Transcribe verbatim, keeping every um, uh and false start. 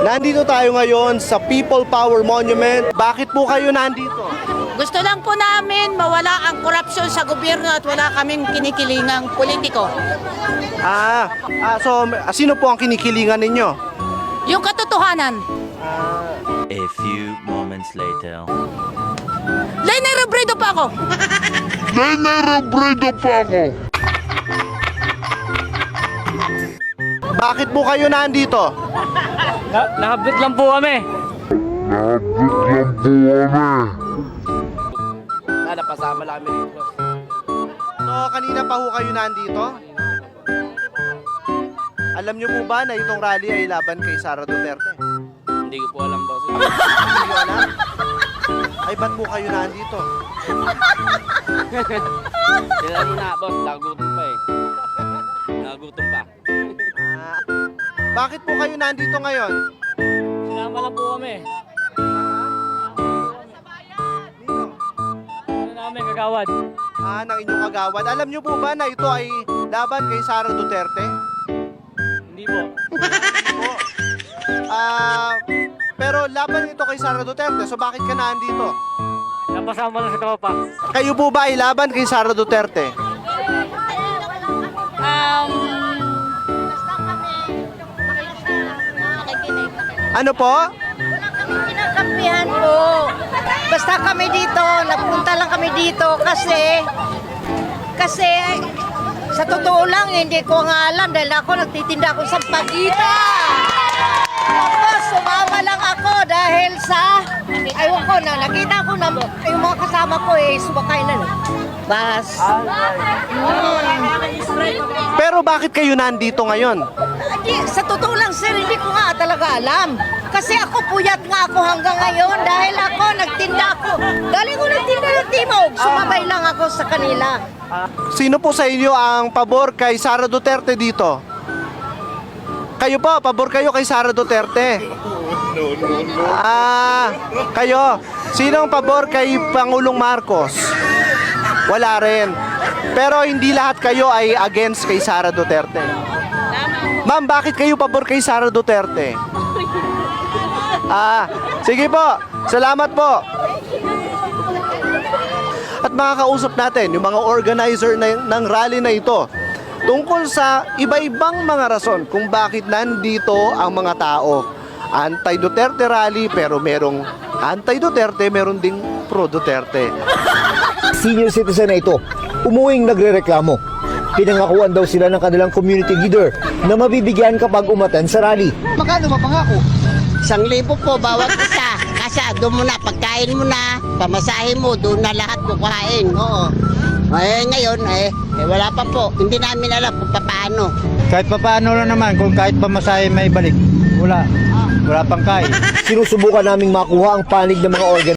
Nandito tayo ngayon sa People Power Monument. Bakit po kayo nandito? Gusto lang po namin mawala ang korupsyon sa gobyerno at wala kaming kinikilingang politiko. Ah, ah so ah, sino po ang kinikilingan ninyo? Yung katotohanan. A few moments later. Lenny Robredo pa ako. Lenny Robredo pa ako. Bakit po kayo nandito? Na nakabit lang po kami. Nakabit lang po kami. Nada, pasama lang kami dito. So, kanina pa ho kayo nandito? Alam niyo po ba na itong rally ay laban kay Sara Duterte? Hindi ko po alam, boss. Hindi niyo alam? Ay, ba't po kayo nandito? Sila na, boss. Nagutom pa eh. Nagutom pa. Ah, bakit po kayo nandito ngayon? Sinama lang po kami. Ano namin kagawad? Ah, ng inyong kagawad. Alam niyo po ba na ito ay laban kay Sara Duterte? Hindi po. Po. Ah, pero laban ito kay Sara Duterte. So bakit ka nandito? Napasama lang sa tropa. Kayo po ba ay laban kay Sara Duterte? Um, Ano po? Kinakampihan po. Basta kami dito, napunta lang kami dito kasi kasi sa totoo lang hindi ko nga alam dahil ako nagtitinda ako sa pagita. Tapos sumama lang ako dahil sa ayun ko na nakita ko na yung mga kasama ko eh sumakay na lang. Bas. Pero bakit kayo nandito ngayon? Hindi, sa totoo lang sir, hindi ko nga talaga alam. Kasi ako puyat nga ako hanggang ngayon dahil ako nagtinda ako. Galing ko nagtinda ng timog, sumabay lang ako sa kanila. Sino po sa inyo ang pabor kay Sara Duterte dito? Kayo po, pabor kayo kay Sara Duterte. Ah, kayo. Sino ang pabor kay Pangulong Marcos? Wala rin. Pero hindi lahat kayo ay against kay Sara Duterte. Ma'am, bakit kayo pabor kay Sara Duterte? Ah, sige po. Salamat po. At makakausap natin yung mga organizer na, ng rally na ito tungkol sa iba-ibang mga rason kung bakit nandito ang mga tao. Anti-Duterte rally pero merong anti-Duterte, meron ding pro-Duterte. Senior citizen na ito, umuwing nagrereklamo. Pinangakuan daw sila ng kanilang community leader na mabibigyan kapag umatan sa rally. Magkano mapangako? Isang libo po bawat isa. Kasi doon mo na, pagkain mo na, pamasahe mo, doon na lahat kukuhain. Oo. Eh ngayon, eh, eh wala pa po. Hindi namin alam kung paano. Kahit papaano lang naman, kung kahit pamasahe may balik. Wala. Wala pang kain. Sinusubukan naming makuha ang panig ng mga organ